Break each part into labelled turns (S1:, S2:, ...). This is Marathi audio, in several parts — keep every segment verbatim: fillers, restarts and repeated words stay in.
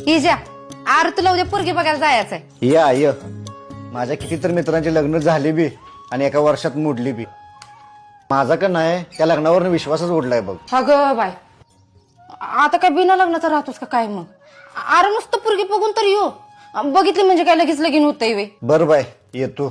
S1: इजा आर तुला उद्या पोरगी बघायला जायचंय.
S2: या य माझ्या कितीतरी मित्रांची लग्न झाली बी आणि एका वर्षात मोडली बी. माझा का नाही त्या लग्नावर विश्वासच उडलाय बघ.
S1: अगं बाय, आता काय बिना लग्नाचं राहतोस का काय मग? अरे नुसतं पोरगी बघून तर येऊ, बघितली म्हणजे काय लगेच लगीन होतंय वे.
S2: बर बाय येतो.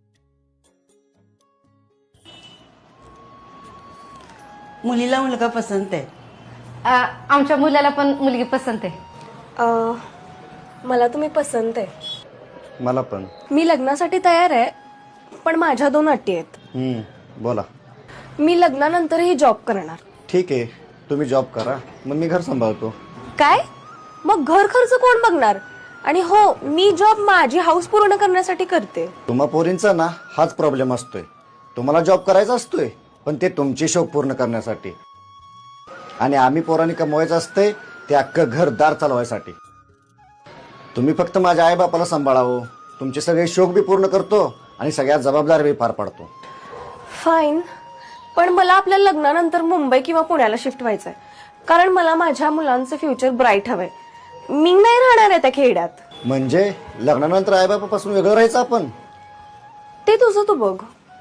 S3: मुलीला मुलगा पसंत आहे.
S1: आमच्या मुलाला पण मुलगी पसंत आहे.
S4: अ, मला तुम्ही पसंत आहे.
S2: मला पण.
S4: मी लग्नासाठी तयार आहे, पण माझ्या दोन अटी आहेत.
S2: हम्म बोला.
S4: मी लग्नानंतरही जॉब करणार.
S2: ठीक आहे, तुम्ही जॉब करा, मग मी घर सांभाळतो.
S4: काय? मग घर खर्च कोण बघणार? आणि हो, मी जॉब माझी हाऊस पूर्ण करण्यासाठी करते.
S2: तुम्हा पोरींचा ना हाच प्रॉब्लेम असतोय. तुम्हाला जॉब करायचा असतोय, पण ते तुमची शौक पूर्ण करण्यासाठी, आणि आम्ही पोरांनी कमवायचं असतंय ते अख्खं घरदार चालवायसाठी. तुम्ही फक्त माझ्या आई बापाला सांभाळावं, तुमचे सगळे शौक बी पूर्ण करतो आणि सगळ्या जबाबदारी बी पार पाडतो.
S4: फाईन, पण मला आपल्या लग्नानंतर मुंबई किंवा पुण्याला शिफ्ट व्हायचंय, कारण मला माझ्या मुलांचं फ्युचर ब्राईट हवंय. मी नाही राहणार आहे त्या खेड्यात.
S2: म्हणजे लग्नानंतर आई बापापासून वेगळं राहायचं आपण?
S4: ते तुझं तू बघ.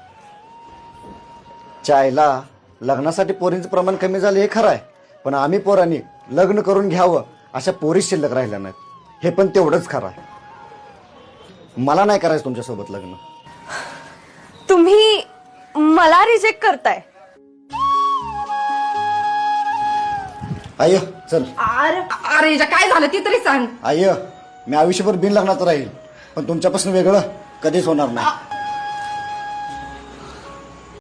S2: चायला लग्नासाठी पोरींचं प्रमाण कमी झालं हे खरं आहे, पण आम्ही पोरांनी लग्न करून घ्यावं अशा पोरी शिल्लक राहिल्या नाहीत हे पण तेवढंच खरं आहे. मला नाही करायचं तुमच्यासोबत लग्न.
S4: तुम्ही मला रिजेक्ट करताय.
S2: आय चल.
S1: अरे अरे इजा काय झालं ती तरी सांग.
S2: आय मी आयुष्यभर बिन लग्नाचं राहील, पण तुमच्यापासून वेगळं कधीच होणार नाही.